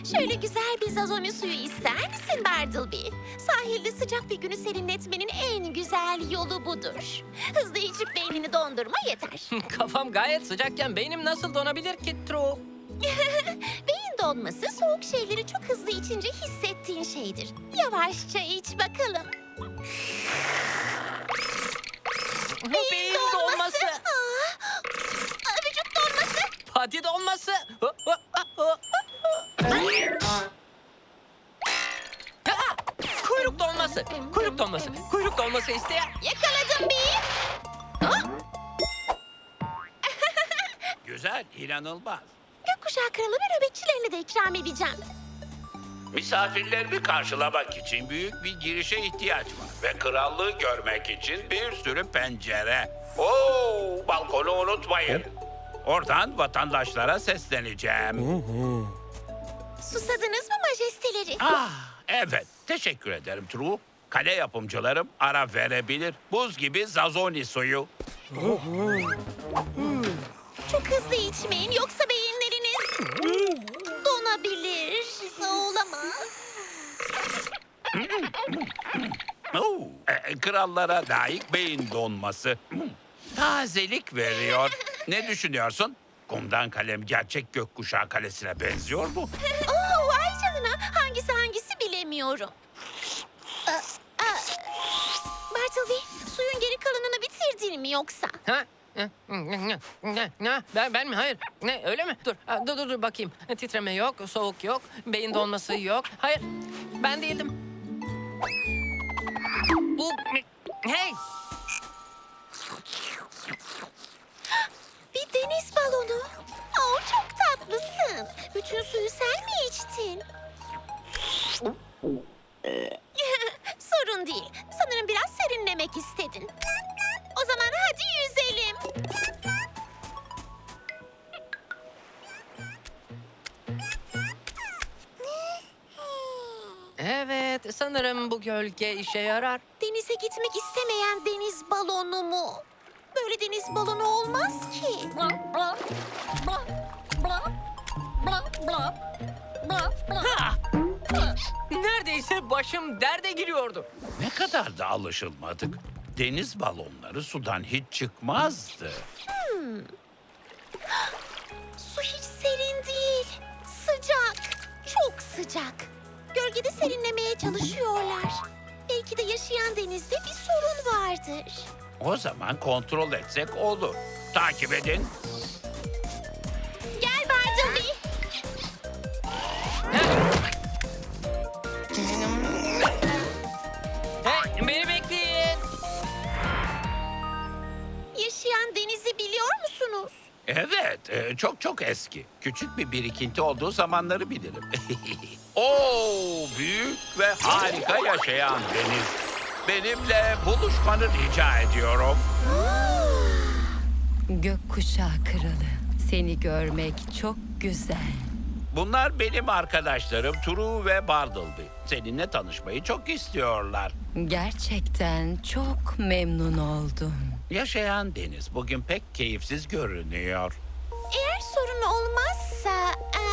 Şöyle güzel bir zazoni suyu ister misin Bartleby? Sahilde sıcak bir günü serinletmenin en güzel yolu budur. Hızlı içip beynini dondurma yeter. Kafam gayet sıcakken beynim nasıl donabilir ki True? Beyin donması soğuk şeyleri çok hızlı içince hissettiğin şeydir. Yavaşça iç bakalım. Beyin donması. Vücut donması. Pati donması. Kuyruk donması. Kuyruk donması. Kuyruk donması isteyen. Yakaladım bir. Güzel, inanılmaz. Gökkuşağı kralı ve nöbetçilerini de ikram edeceğim. Misafirlerimi karşılamak için büyük bir girişe ihtiyaç var. Ve krallığı görmek için bir sürü pencere. Oo, balkonu unutmayın. Oradan vatandaşlara sesleneceğim. Susadınız mı majesteleri? Ah, evet. Teşekkür ederim True. Kale yapımcılarım ara verebilir. Buz gibi Zazoni suyu. Çok hızlı içmeyin yoksa beyinleriniz donabilir. Olamaz. Oo, krallara layık beyin donması. Tazelik veriyor. Ne düşünüyorsun? Kumdan kalem gerçek gökkuşağı kalesine benziyor mu? Oo, vay canına. Hangisi bilemiyorum. Bartleby, suyun geri kalanını bitirdin mi yoksa? Ha? Ne? Ben mi? Hayır. Ne? Öyle mi? Dur bakayım. Titreme yok, soğuk yok, beyin donması yok. Hayır. Ben değildim. Bu hey! Bir deniz balonu. Oo, çok tatlısın. Bütün suyu sen mi içtin? Sorun değil. Sanırım biraz serinlemek istedin. O zaman hadi yüzelim. Evet, sanırım bu gölge işe yarar. Denize gitmek istemeyen deniz balonu mu? Böyle deniz balonu olmaz ki. Ha! Neredeyse başım derde giriyordu. Ne kadar da alışılmadık. Deniz balonları sudan hiç çıkmazdı. Su hiç serin değil. Sıcak. Çok sıcak. Gölgede serinlemeye çalışıyorlar. Belki de yaşayan denizde bir sorun vardır. O zaman kontrol etsek olur. Takip edin. Gel Bartleby. Hey, beni bekleyin. Yaşayan denizi biliyor musunuz? Evet, çok eski. Küçük bir birikinti olduğu zamanları bilirim. Oo, büyük ve harika yaşayan deniz. Benimle buluşmanı rica ediyorum. Gökkuşağı kralı, seni görmek çok güzel. Bunlar benim arkadaşlarım True ve Bartleby. Seninle tanışmayı çok istiyorlar. Gerçekten çok memnun oldum. Yaşayan deniz bugün pek keyifsiz görünüyor. Eğer sorun olmazsa...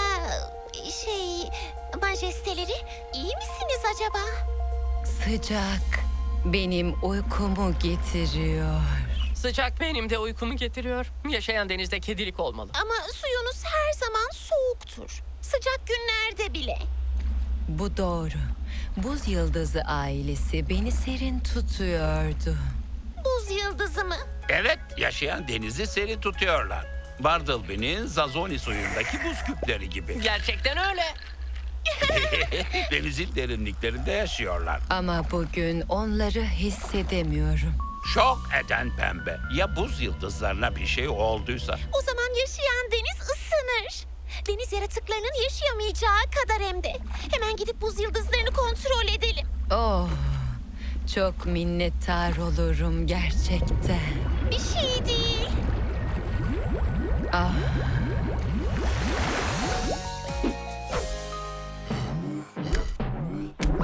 majesteleri iyi misiniz acaba? Sıcak benim uykumu getiriyor. Sıcak benim de uykumu getiriyor. Yaşayan denizde kedilik olmalı. Ama suyunuz her zaman soğuktur. Sıcak günlerde bile. Bu doğru. Buz Yıldızı ailesi beni serin tutuyordu. Buz yıldızı mı? Evet, yaşayan denizi serin tutuyorlar. Bartleby'nin Zazoni suyundaki buz küpleri gibi. Gerçekten öyle. Denizin derinliklerinde yaşıyorlar. Ama bugün onları hissedemiyorum. Şok eden pembe. Ya buz yıldızlarına bir şey olduysa? O zaman yaşayan deniz ısınır. Deniz yaratıklarının yaşayamayacağı kadar hem de. Hemen gidip buz yıldızlarını kontrol edelim. Oh, çok minnettar olurum gerçekten. Bir şey değil. Ah,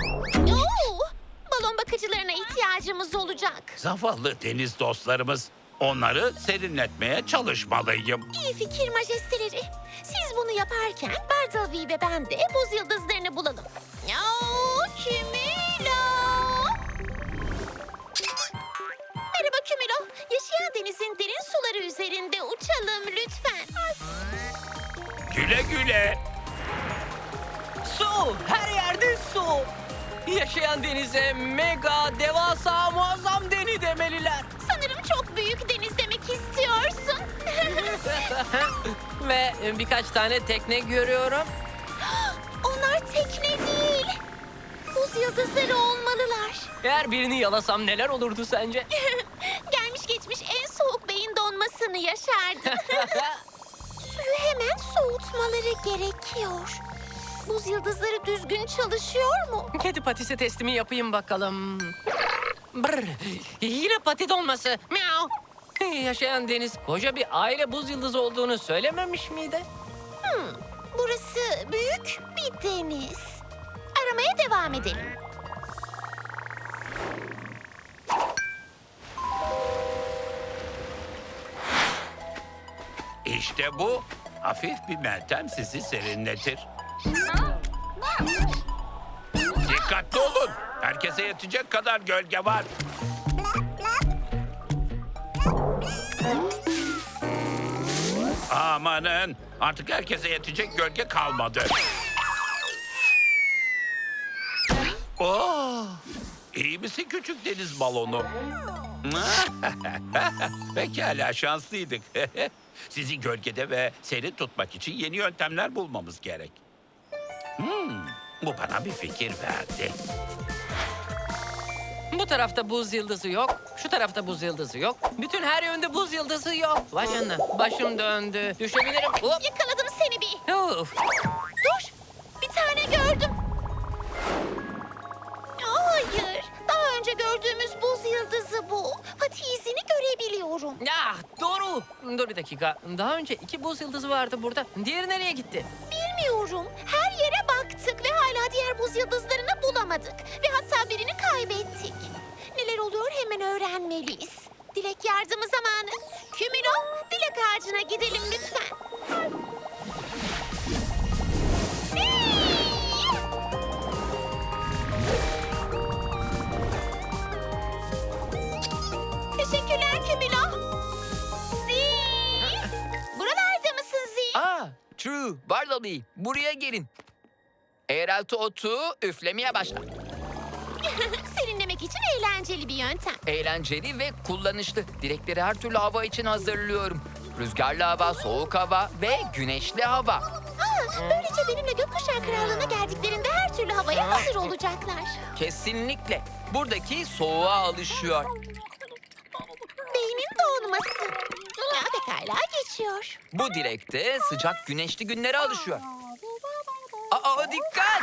Oo, balon bakıcılarına ihtiyacımız olacak. Zavallı deniz dostlarımız. Onları serinletmeye çalışmalıyım. İyi fikir majesteleri. Siz bunu yaparken Bartleby ve ben de buz yıldızlarını bulalım. Kümülo. Merhaba Kümülo. Yaşayan denizin derin suları üzerinde uçalım lütfen. Güle güle. Su! Her yerde su! Yaşayan denize mega, devasa, muazzam deni demeliler. Sanırım çok büyük deniz demek istiyorsun. Ve birkaç tane tekne görüyorum. Onlar tekne değil. Buz yıldızları olmalılar. Eğer birini yalasam neler olurdu sence? Gelmiş geçmiş en soğuk beyin donmasını yaşardım. Suyu hemen soğutmaları gerekiyor. Buz yıldızları düzgün çalışıyor mu? Kedi patisi testimi yapayım bakalım. Brr, yine pati dolması. Miau. Yaşayan deniz koca bir aile buz yıldızı olduğunu söylememiş miydi? Burası büyük bir deniz. Aramaya devam edelim. İşte bu. Hafif bir meltem sizi serinletir. Dikkatli olun. Herkese yetecek kadar gölge var. Amanın. Artık herkese yetecek gölge kalmadı. Oh, iyi misin küçük deniz balonu? Pekala şanslıydık. Sizi gölgede ve serin tutmak için yeni yöntemler bulmamız gerek. Bu bana bir fikir verdi. Bu tarafta buz yıldızı yok, şu tarafta buz yıldızı yok. Bütün her yönde buz yıldızı yok. Vay canına, başım döndü. Düşebilirim. Hop. Yakaladım seni bir. Uf. Dur. Bir tane gördüm. Hayır. Daha önce gördüğümüz buz yıldızı bu. Pati izini görebiliyorum. Ya doğru. Dur bir dakika. Daha önce 2 buz yıldızı vardı burada. Diğeri nereye gitti? Bilmiyorum. Her yere baktık ve hala diğer buz yıldızlarını bulamadık. Ve hatta birini kaybettik. Neler oluyor hemen öğrenmeliyiz. Dilek yardımı zamanı. Kümülo, dilek ağacına gidelim lütfen. Teşekkürler Kümülo. Zee! Buralarda mısın Zee? True, Bartleby, buraya gelin. Eğrelti otu üflemeye başla. Serinlemek için eğlenceli bir yöntem. Eğlenceli ve kullanışlı. Dilekleri her türlü hava için hazırlıyorum. Rüzgarlı hava, soğuk hava ve güneşli hava. Böylece benimle Gökkuşağı Krallığı'na geldiklerinde her türlü havaya hazır olacaklar. Kesinlikle. Buradaki soğuğa alışıyor. Beynin donması. Ya pekala geçiyor. Bu dilekte sıcak güneşli günlere alışıyor. Dikkat!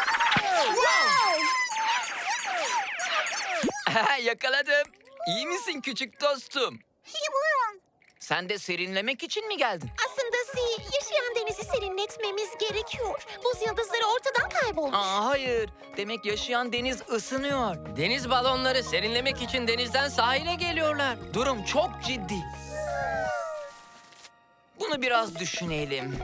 Yakaladım. İyi misin küçük dostum? Sen de serinlemek için mi geldin? Aslında Zee, yaşayan denizi serinletmemiz gerekiyor. Buz yıldızları ortadan kaybolmuş. Hayır. Demek yaşayan deniz ısınıyor. Deniz balonları serinlemek için denizden sahile geliyorlar. Durum çok ciddi. Bunu biraz düşünelim.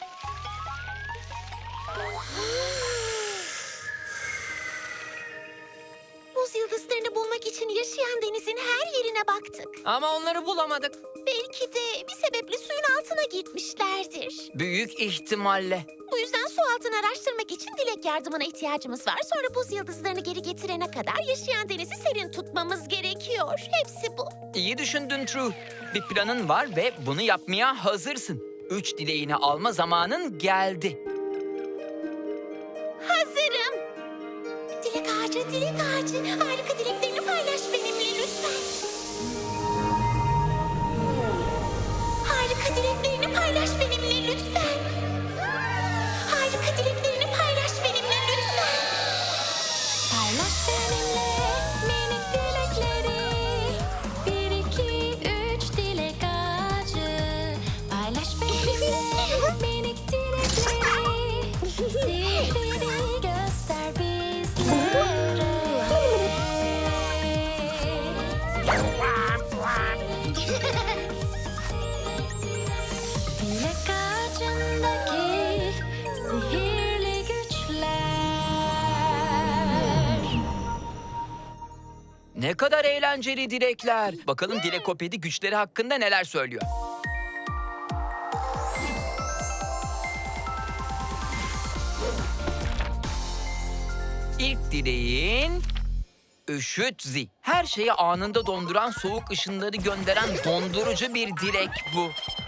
Buz yıldızlarını bulmak için yaşayan denizin her yerine baktık. Ama onları bulamadık. Belki de bir sebeple suyun altına gitmişlerdir. Büyük ihtimalle. Bu yüzden su altını araştırmak için dilek yardımına ihtiyacımız var. Sonra buz yıldızlarını geri getirene kadar yaşayan denizi serin tutmamız gerekiyor. Hepsi bu. İyi düşündün True. Bir planın var ve bunu yapmaya hazırsın. 3 dileğini alma zamanın geldi. Hazırım. Dilek ağacı, dilek ağacı. Harika dileklerini paylaş benimle lütfen. Harika dileklerini paylaş benimle lütfen. Harika dileklerini paylaş benimle lütfen. Paylaş benimle minik dilekleri. 1, 2, 3 dilek ağacı. Paylaş benimle minik dilekleri. Sihrini göster bizlere. Ne kadar eğlenceli dilekler. Bakalım Dilekopedi güçleri hakkında neler söylüyor. İlk dileğin Üşützi. Her şeyi anında donduran, soğuk ışınları gönderen dondurucu bir dilek bu.